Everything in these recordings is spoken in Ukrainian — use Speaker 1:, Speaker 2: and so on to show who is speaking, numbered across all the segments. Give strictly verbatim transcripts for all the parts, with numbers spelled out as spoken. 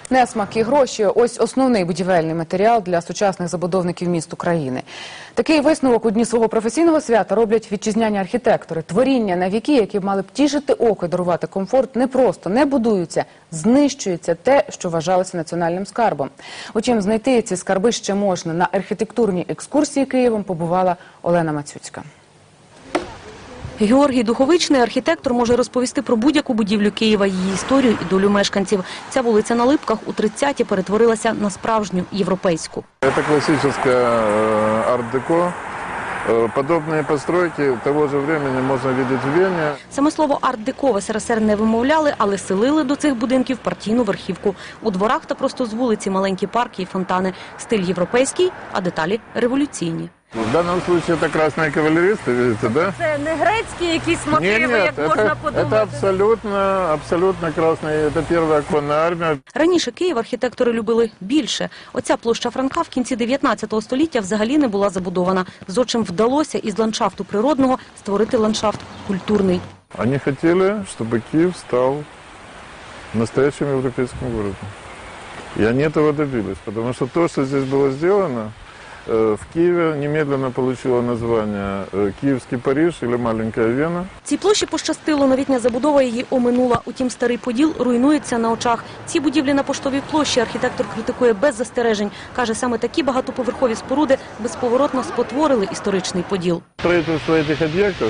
Speaker 1: Несмак і гроші – ось основний будівельний матеріал для сучасних забудовників міст України. Такий висновок у дні свого професійного свята роблять вітчизняні архітектори. Творіння на віки, які б мали б тішити око і дарувати комфорт, не просто не будуються, знищується те, що вважалося національним скарбом. Утім, знайти ці скарби ще можна. На архітектурній екскурсії Києвом побувала Олена Мацюцька.
Speaker 2: Георгій Духовичний, архітектор, може розповісти про будь-яку будівлю Києва, її історію і долю мешканців. Ця вулиця на Липках у тридцяті перетворилася на справжню європейську.
Speaker 3: Це класичне арт-деко. Подобні постройки того ж времени можна бачити в Вені.
Speaker 2: Саме слово «арт-деко» в СРСР не вимовляли, але селили до цих будинків партійну верхівку. У дворах та просто з вулиці маленькі парки і фонтани. Стиль європейський, а деталі революційні.
Speaker 3: В даному випадку це красні кавалеристи, бачите, да?
Speaker 2: Це не грецькі якісь мотиви, як можна подумати.
Speaker 3: Це абсолютно, абсолютно красний, це перша оконна армія.
Speaker 2: Раніше Київ архітектори любили більше. Оця площа Франка в кінці дев'ятнадцятого століття взагалі не була забудована. Зодчим вдалося із ландшафту природного створити ландшафт культурний.
Speaker 3: Вони хотіли, щоб Київ став настоящим європейським городом. І вони цього добились, тому що те, що тут було зроблено, в Києві немедленно отримало названня «Київський Париж» або «Маленька Вена».
Speaker 2: Цій площі пощастило, новітня забудова її оминула. Утім, старий Поділ руйнується на очах. Ці будівлі на Поштовій площі архітектор критикує без застережень. Каже, саме такі багатоповерхові споруди безповоротно спотворили історичний Поділ.
Speaker 3: Строительство цих об'єктів,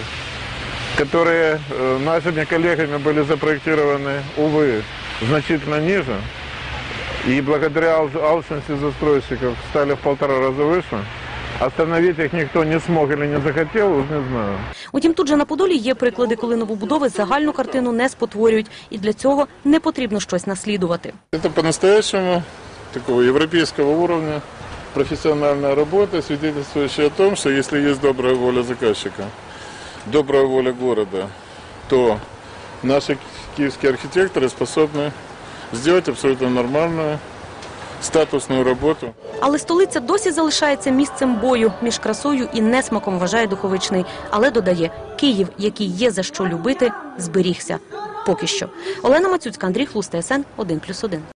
Speaker 3: які нашими колегами були запроектовані, увы, значительно ниже, и благодаря алчности застройщиков стали в полтора раза выше. Остановить їх ніхто не змог або не захотів, уже не знаю.
Speaker 2: Утім, тут же на Подолі є приклади, коли новобудови загальну картину не спотворюють. І для цього не потрібно щось наслідувати.
Speaker 3: Це по-настоящему такого європейського уровня професіональна робота, свидетельствующая о том, що якщо є добра воля заказчика, добра воля города, то наші київські архітектори способні зробити абсолютно нормальну, статусну роботу.
Speaker 2: Але столиця досі залишається місцем бою між красою і несмаком, вважає Духовичний. Але додає, Київ, який є за що любити, зберігся. Поки що. Олена Мацюцька, Андрій Хлус, ТСН один плюс один.